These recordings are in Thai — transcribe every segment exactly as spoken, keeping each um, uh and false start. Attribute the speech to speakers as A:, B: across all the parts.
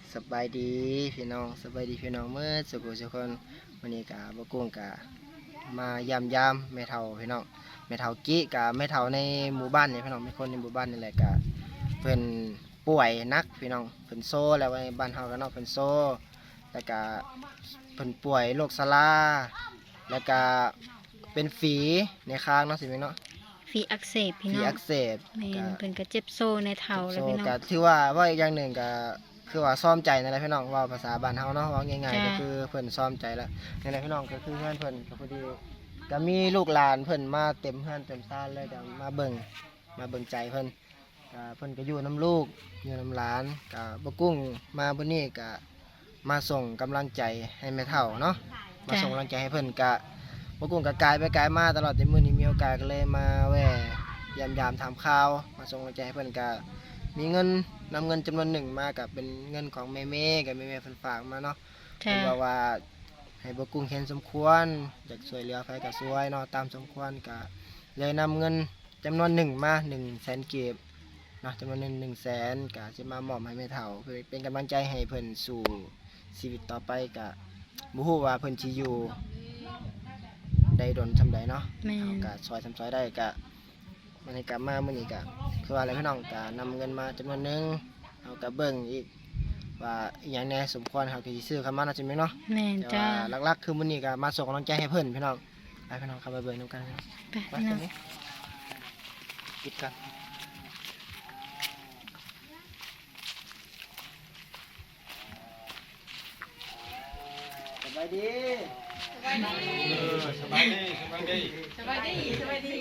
A: สบายดีพี่น้องสบายดีพี่น้องเมื่อสุขสุขคนวันนี้กะบกุ้งกะมายามยามแม่เฒ่าพี่น้องแม่เฒ่ากี้กะแม่เฒ่าในหมู่บ้านนี่พี่น้องเป็นคนในหมู่บ้านนี่แหละกะเพิ่นป่วยนักพี่น้องเพิ่นโซ่แล้วในบ้านเฮากันเนาะเพิ่นโซ่แล้วก็เพิ่นป่วยโรคซาลาแล้วก็เป็นฝีในคางเนาะสิพี่เนาะ
B: ฝีอักเสบพี่
A: ฝี
B: น้อง
A: อักเสบ
B: แม่นเพิ่นก็เจ็บโซ่ในเท้าแล้วพี่น้อง
A: ก็ถือว่าว่าอีกอย่างหนึ่งก็คือว่าซ้อมใจนั่นแหละพี่น้องว่าภาษาบ้านเฮาเนาะว่าง่ายๆก็คือเพิ่นซ้อมใจแล้วนั่นแหละพี่น้องก็คือเพื่อนเพิ่นก็พอดีก็มีลูกหลานเพิ่นมาเต็มเฮือนเต็มซ่านเลยก็มาเบิ่งมาเบิ่งใจเพิ่นก็เพิ่นก็อยู่นํลูกอยู่นํหลานก็บ่กุ้งมามื้อนี้ก็มาส่งกำลังใจให้แม่เฒ่าเนาะมาส่งกำลังใจให้เพิ่นก็บ่กุ้งก็กายไปกายมาตลอดแต่มื้อนี้มีโอกาสก็เลยมาแวะยามๆถามข่าวมาส่งกำลังใจให้เพิ่นก็มีเงินนำเงินจำนวนหนึ่งมากับเป็นเงินของแม่เมย์กับแม่เมย์เพิ่นฝากมาเนาะเพิ่นบอกว่าให้บ่กุ้งเห็นสมควรอยากช่วยเหลือไผก็ช่วยเนาะตามสมควรก็เลยนำเงินจำนวนหนึ่งมา หนึ่งแสน กีบเนาะจำนวนเงิน หนึ่งแสน ก็สิมามอบให้แม่เฒ่าเพื่อเป็นกำลังใจให้เพิ่นสู่ชีวิตต่อไปก็บ่ฮู้ว่าเพิ่นสิอยู่ได้ดนซำใดเนาะเฮาก็ช่วยซำซอยได้ก็มื้อนี้ก็มามื้อนี้ก็คือว่าอะไรพี่น้องก็นำเงินมาจำนวนหนึ่งเอาก็เบิ่งอีกว่าอีหยังแหน่สมควรเฮาก็สิซื้อเข้ามาเนาะจังแม่นเนาะ
B: แม่นจ้า
A: หลักๆคือมื้อนี้ก็มาส่งกำลังใจให้เพิ่นพี่น้องไปพี่น้องเข้าไปเบิ่งนำกัน
B: ไปพี่น้อง
A: ปิดกันสบายดีสบายดีสบายดีสบายดีสบายดีสบายดี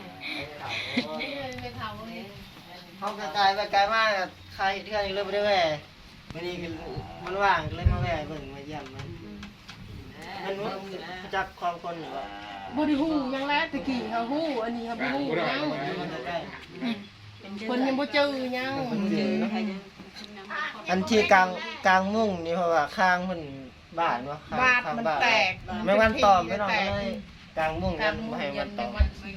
A: เขากระจายไปไกลมากใครเทื่อนเลยไปด้วยวันนี้มันว่างเลยมาแวะเบิ่งมาเยี่ยมมันมันจักความคนหรือว่า
C: บ่ได้ฮู้ยังแล้วตะกี้เฮาฮู้อันนี้เฮาบ่ฮู้ยังเพิ่นยังบ่เจอยัง
A: อันที่กลางกลางมุ้งนี่เพราะว่าข้างมันบาดวะ
C: บาดมันแตก
A: แม่วันตอมไม่ต้องเลยกลางมุ้งกันไม่ให้มันตอม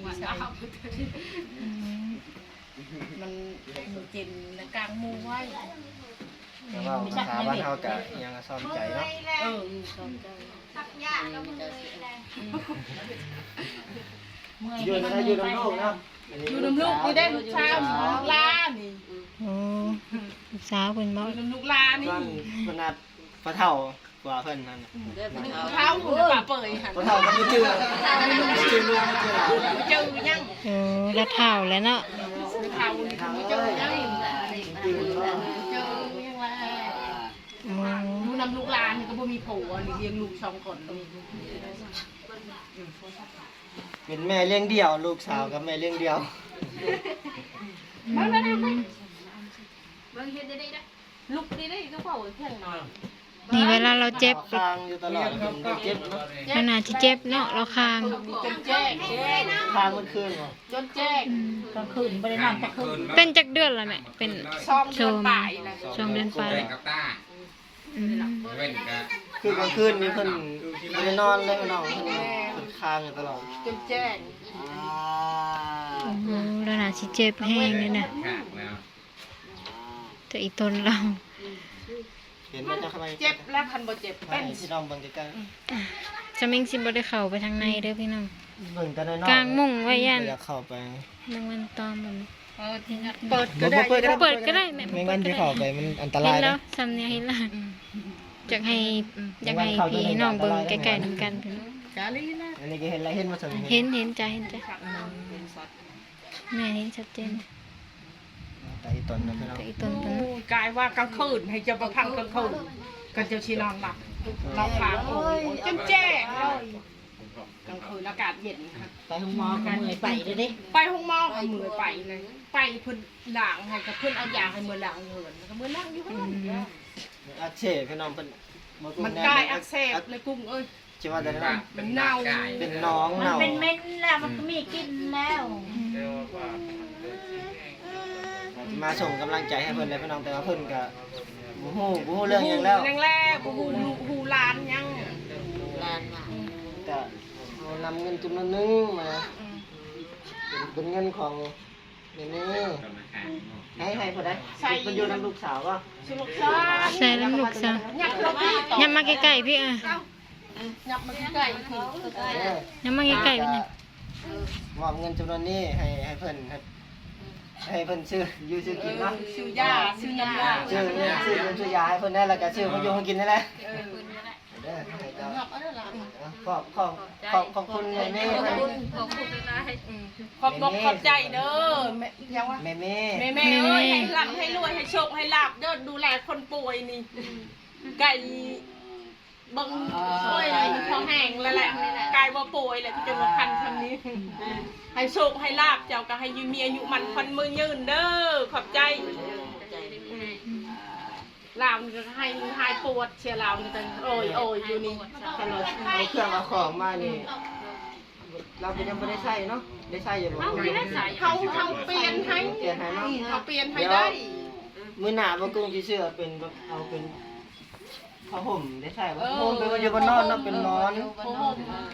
C: มันจินกลางมุ้งไว้
A: แต่ว่าภาษาบ้านเฮาก็ยังซ้อมใจเนาะ
C: เออซ้อมใจ
A: อยู่นะอยู่น้ำลูกเนาะ
C: อยู่น้ำลูกนี่ได้ลูกชายลูกลานี่
B: โอ้ลูกสาวเพิ่นบ่
C: อยู่น้ำลูกลานี่
A: ขนาดพระเฒ่ากว่าเพิ่นนั่น
C: เฒ่าหูป่าเปื่อยหั่น
A: พระเฒ่าก็บ่เจอบ่เจอลูกบ่เจอหลาน
C: บ่เจอยัง
B: เออแล้วเฒ่าแล้วเนาะ
C: เฒ่านี่บ่เจอยังเจอยังว่าอยู่น้ำลูกลานี่ก็บ่มีผัวนี่เลี้ยงลูกสองคน
A: เป็นแม่เลี้ยงเดี่ยวลูกสาวกับแม่เลี้ยงเดี่ยว
C: ลูกนี่ได้ก็เผาแข็งหน่อย
B: นี่เวลาเราเจ็บ
A: คางอยู่ตลอดเจ็บเนาะ
B: ขนาดที่เจ็บเนาะเราคาง
C: จนแจ้ง
A: คางมันคืนบ่
C: จนแจ้งกลางคืนบ่ได้นอนกลางคืน
B: เป็นจักเดือนละแม่เป็น
C: ช่องเดือนปลายนะ
B: ช่องเดือนปลายอืม
A: คือกลางคืนนี่เพิ่นบ่ได้นอนเลยพี่น้องเพิ่นคางอยู่ตลอด
C: จนแจ้ง
B: โอ้โหแล้วน่าสิเจ็บแห้งนี่นะแต่อีตนเรา
A: เห็นมันจะเข้าไป
C: เจ็บแล้วคันบ่เจ็บเป็น
A: สิน้องเบิ่งใกล้
B: ๆจะมิงสิบ่ได้เข้าไปทางในเด้อพี่น้อง
A: เบิ่งแต่น้อยๆ
B: กลางมุ้งไว้ยัน
A: อยากเข้าไป
B: นางมันตอมมัน
C: เปิดก็ได้
B: เปิดก็ได้แม่
A: ไม่งั้นที่เข้าไปมันอันตราย
B: เห็นแล้วสำเนียงเห็นแล้วอยากให้อยากให้พี่น้องเบิ่งใกล้ๆนำกันพี่น้อง
C: กาลีนะ
A: อันนี้ก็เห็นแล้วเห็นบ่ซั่น
B: เห็นเห็นจ้ะเห็นจ้ะแม่เห็นชัดเจน
A: แต่อีตนนะพี่น้อง
B: แต่อีตนเพิ่น
C: กายว่ากลางคืนให้เจ้าประพังกลางคืนกันเจ้าชีนอนหลับเราพาโอ้ยจนแจ้งเลยกลางคืนอากาศเย็นค่ะ
A: ไปห้องหมอกันมื้อไปเด้อเด้
C: ไปห้องหมอเอามือไปเลยไปเพิ่นล้างให้กับเพิ่นเอายาให้มือล้างเหินแล้วก็มือล้างอยู่หั่น
A: อักเสบพี่น้องเพิ่น
C: มันกายอักเสบเลยกุ้งเอ้ย
A: สิว่าแต่นั้น
C: มันเน่า
A: เป็นน้อง
D: เน่ามันเป็นเม็ดแล้วมันก็มีกลิ่นแล้ว
A: มาส่งกำลังใจให้เพิ่นเลยพี่น้องแต่ว่าเพิ่นก็บ่ฮู้บ่ฮู้เรื่องหยังแล้ว
C: แรงๆบ่ฮู้ฮู้ล้านยัง
D: ล้านว่า
A: ก็เอานำเงินจำนวนนึงมาเป็นเงินของนี่นี่ให้ให้พอได้มันอยู่น้ำลูกสาวก็
C: ชุลูกซ่า
B: ใส่น้ำลูกซะ
C: ยับเราพี่ต่อ
B: ยับมาใกล้ๆพี่อ่ะ
C: ยับมาใกล้ๆคือ
B: ยับมาใกล้ๆพี่น่ะ
A: มอบเงินจำนวนนี้ให้ให้เพิ่นให้ให้เพิ่นซื้ออยู่ซื้อกินเนาะ
C: ซื้อยาซื้อน้ำยา
A: ซื้อซื้อเงินซื้อยาให้เพิ่นได้แล้วก็ซื้อมาอยู่มากินได้แหละ
C: เออ
A: เด้อให้เจ้า
C: ยับเอาได้ละ
A: ขอบขอบขอบขอบคุณแม่แม่
C: ขอบคุณขอบคุณนะขอบอกขอบใจเด้อแม่ยังวะ
A: แม่แม่
C: แม่แม่เอ้ยให้ร่ำให้รวยให้โชคให้ลาบเด้อดูแลคนป่วยนี่ไก่บังป่วยมันท้องแห้งแล้วแหละไก่บ่ป่วยแหละที่จะมาพันคำนี้ให้โชคให้ลาบเจ้าก็ให้ยืมมีอายุมันพันมือยืนเด้อขอบใจลาวนี่ก็ให้หายปวดเชียร์ลาวนี่จังโอ้ยโอ้ยอยู่นี่ตลอด
A: เอาเครื่องเอาของมานี่เราเป็นยังไม่ได้ใช้เนาะได้ใช้อยู่บ่
C: เขาเขาเปลี่ยนให้
A: เปลี่ยนให้เนาะ
C: เขาเปลี่ยนให้ได้
A: มื้อหน้าบ่กุ้งสิซื้อเป็นแบบเอาเป็นผ้าห่มได้ใช้บ่ห่มเป็นอยู่บนนอนเนาะเป็นนอน
C: โอ้โห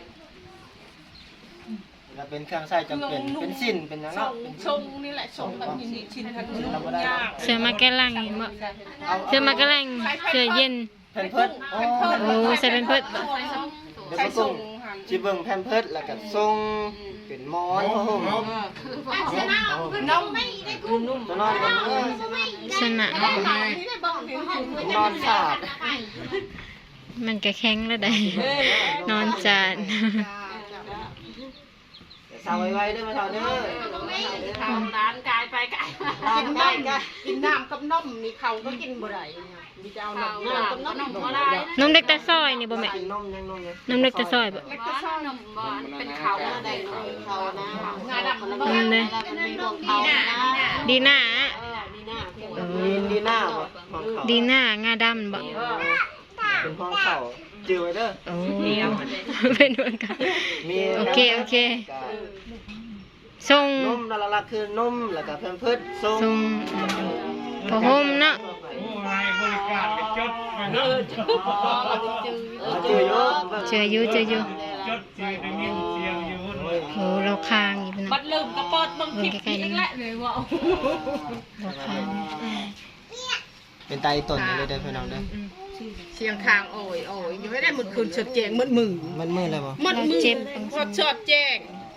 A: แล้วเป็นเครื่องใช้จำเป็นเป็นสิ้นเป็นหยัง
C: ช
A: เนาะ
C: ง
A: เป็น
C: ชงนี่แหละชงแบบนี้ชิ้นทันนุ่มยาก
B: เสื้อมาแก้ล่างเห็นบ่เสื้อมาแก้ล่างเสื้อเย็น
A: แพมเพิร์สโอ้
B: โอ้ใส่เป็นเพิด
A: เดี๋ยว
C: ใส่
A: บ่
C: ส่
A: กุ้
C: ง
A: งสิเบิ่งแพมเพิร์สแล้วก็ทรงเป็นหมอนผ้าห่ม
C: น้อง
A: ตัวนอนก็เออ
B: สนะ
C: นี่ได้บอกเห็นผม
A: นอนสาด
B: มันก็แข็งแล้วได้นอนจาน
A: สาวไว้ๆเด้อมาเฒ่าเด้อ
C: ทำร้านกายไปกายมากินน้ำกินน้ำกับนมนี่เขาก็กินบ่ได้มีจะเอาน้ำน้ำกับนมบ่ได้
B: นมเด็กแต่ซอยนี่บ่แม่
A: กินนมยังนมยัง
B: นมเด็กแต่ซอยบ่
C: เล็กก็ซ่อนมบ่เป็นเขาได้เขานะงาดำมัน
B: นมเลย
C: มันมีของเขานะ
B: ดีหน้า
A: มีดีหน้าบ่ของเขา
B: ดีหน้างาดำบ่
A: เป็นของเขาจือไว้เด้อ
B: โอ้เป็นเหมือนกัน
A: มี
B: โอเคโอเคส่ง
A: นมละละคือนมแล้วก็แพมเพิร์สทรง
B: ส่งผ้าห่มเนาะ
A: จืออยู่
B: เจออยู่เจออยู่
E: จดชื่อได้ยินเสียงอยู่
B: โอ้เราคางอยู่พี่น้
C: บั
B: อง
C: ดลืมกระเปิดบังคลิปอีกแล้วเลยว่า
B: เราคาง
A: เป็นไตต้นเลยเด้อพี่น้องเด้อ
C: เสียงคางโอ้ยโอ้ยอยู่ไม่ได้หมดคืนสดแจงหมดมือ
A: มันมืดเลยบ่
C: หมดมือพอสดแจง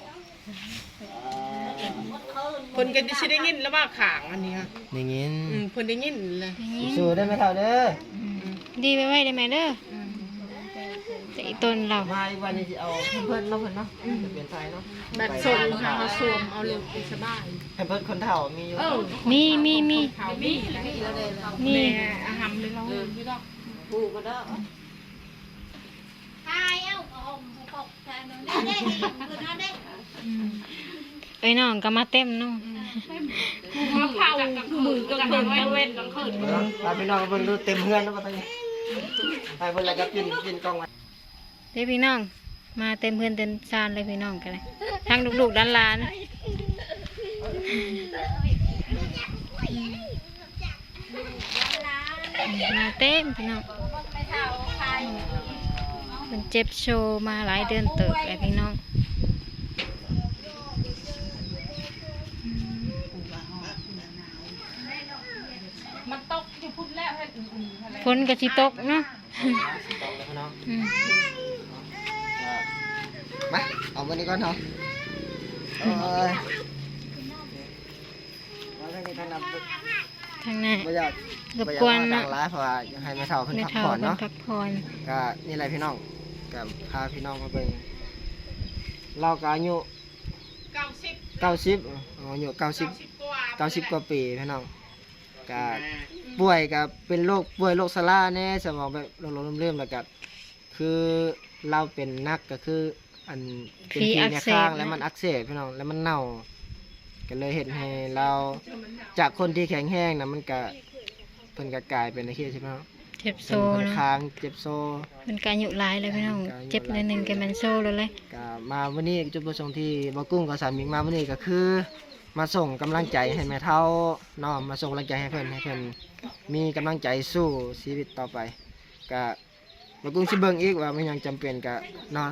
C: คนก็จะได้ยินแล้วว่าขางอันนี้ค่ะ
A: ได้ยิน
C: อืมคนได้ยินเลย
A: สู้ได้ไหมเท่าเด้อ
B: ดีไว้ไว้ได้ไหมเด้อแต่อีต้นเรา
A: มาอีกวันนี้สิเอาแพมเพิร์สเนาะเพิ่นเนาะจะเปลี่ยนไทยเนาะ
C: แบบส่งค่ะเขาสวมเอาเร็วสบาย
A: แพมเพิร์สคนเฒ่ามีอยู่
C: เออ
B: มีมีมี
C: เขามี
B: มี
C: แม่อาหารเลยเราไม่ต้อง
D: ผูกก็ได้ทายเอาของปกทายมันได้ได้คือน่าได้
B: ไอ้น้องก็มาเต็มเน้อง
C: มะพร้าวมือก็คืนกลางเว้นกลางคืน
A: มาพี่น้องเบิ่งดูเต็มเฮือนแล้วบ่ตอนนี้ไปเพิ่นแล้วก็ปินปินกล้องไว้
B: เด้พี่น้อง มาเต็มเพื่อนเต็มซานเลยพี่น้องกันเลยทั้งลูกๆด้านหลานมาเต็มพี่น้องเป็นเจ็บโชว์มาหลายเดือนเติบเลยพี่น้อง
C: มันตกอยู่พุ่นแล้วให้อุ่นๆอะไร
B: ฝนกระชิตกเนาะ
A: ตรงเลยพี่น้อง
B: อืม
A: มาเอาวันนี้ก่อนเนาะเอ้ยเอาเรื่องนี้ท่านนำ
B: ทางหน้า
A: บ่อยาก
B: รบกวน
A: บ่อยา
B: เนาะ
A: มาต่างร้ายเพราะว่าอยากให้แม่เฒ่าเพิ่น
B: ไม่
A: พัก
B: เท่า
A: ผ่อน
B: เพิ่น
A: เนาะ
B: พักผ่อน
A: ก็นี่แหละพี่น้องก็พาพี่น้องมาเบิ่งเราก็อายุ
C: เก้าสิบ
A: เก้าสิบอายุเก้าสิบ
C: สิบกว่า
A: เก้าสิบกว่าปีพี่น้องก็ป่วยก็เป็นโรคป่วยโรคซาร่าแน่สมองแบบหลงๆลืมๆแล้วก็คือเราเป็นนักก็คืออันเป็นที่ในข้างแล้วมันอักเสบพี่น้องแล้วมันเน่าก็เลยเห็นให้เราจากคนที่แข็งแรงนะมันก็เพิ่นก็กลายเป็นไอ้ที่ใช่ไหมครับ
B: เจ็บโซ
A: เป็น
B: เนาะ
A: ค้างเจ็บโซ
B: เป็นการอยู่หลายเลยพี่น้องเจ็บในหนึ่งแกมันโซเลยเลย
A: ก็มาวันนี้จุดประสงค์ที่บ่กุ้งกับสามีมาวันนี้ก็คือ มาส่งกำลังใจให้แม่เฒ่าเนาะมาส่งกำลังใจให้เพิ่นให้เพิ่นมีกำลังใจสู้ชีวิตต่อไปก็บ่กุ้งสิเบิ่งอีกว่ามันยังจำเป็นก็เนาะ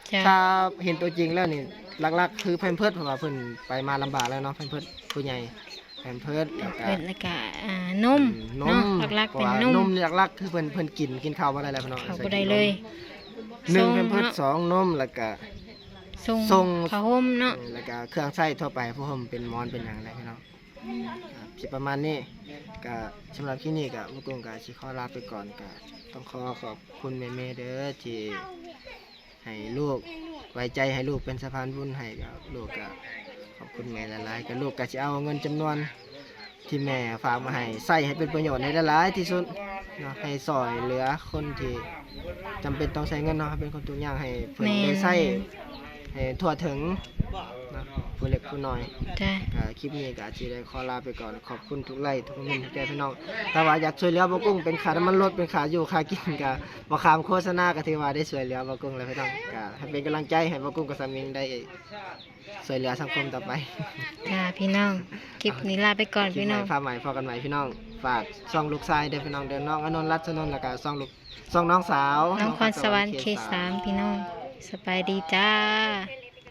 B: จ้ะ
A: ถ้าเห็นตัวจริงแล้วนี่หลักๆคือแพมเพิร์สเพราะว่าเพิ่นไปมาลำบากแล้วเนาะแพมเพิร์สผู้ใหญ่แพมเพิร์สแล้วก็
B: เพิ่นแล้วก็อ่านม
A: น
B: เนาะ
A: ม
B: หลักๆเป็น
A: พราะ
B: น
A: ว่าม นมหลักๆคือเพิ่นเพิ่นกินกินข้าวบ่ได้แล้วพี่น้อง
B: เขา
A: ใส่
B: บ่ได้
A: กินนม
B: เลย
A: หนึ่ง
B: ส่ง
A: แพมเพิร์ส
B: เนาะ
A: สองนมแล้วก็
B: ส่ง
A: ส่ง
B: ผ้าห่มเนาะ
A: แล้วก็เครื่องใช้ทั่วไปพวกผมเป็นหมอนเป็นหยังไงพี่น้องครับสิประมาณนี้ก็สำหรับที่นี่ก็มุกุ้งก็สิขอลาไปก่อนก็ต้องขอขอบคุณแม่ๆเด้อที่ให้ลูกไว้ใจให้ลูกเป็นสะพานบุญให้กับลูกก็ขอบคุณแม่หลายๆก็ลูกก็สิเอาเงินจำนวนที่แม่ฝากมาให้ใส่ให้เป็นประโยชน์ในหลายๆที่สุดเนาะให้ซอยเหลือคนที่จำเป็นต้องใช้เงินเนาะให้เป็นคนทุกอย่างให้เพิ่นได้ใช้ให้ทั่วถึงเนาะผู้เล็กผู้น้อย
B: จ้ะ
A: ก็คลิปนี้ก็อาจจะได้ขอลาไปก่อนขอบคุณทุกไลค์ทุกคอมเมนต์ทุกใจพี่น้องถ้าว่าอยากช่วยเหลือบ่กุ้งเป็นค่าน้ำมันรถเป็นค่าอยู่ค่ากินก็บ่ขามโฆษณาก็ถือว่าได้ช่วยเหลือบ่กุ้งแล้วพี่น้องก็ให้เป็นกำลังใจให้บ่กุ้งกับสามิงได้ช่วยเหลือสังคมต่อไป
B: จ้าพี่น้องคลิปนี้ลาไปก่อน
A: คลิป
B: พี่
A: ให
B: น้
A: ม่
B: อง
A: ฟ้าใหม่พอกันใหม่พี่น้องฝากช่องลูกชายเด้อพี่น้องเด้อน้องอนนท์รัตนนท์แล้วก็ช่องลูกช่องน้องสาว
B: น้องคอนสวรรค์เคสามพี่น้องสบายดีจ้า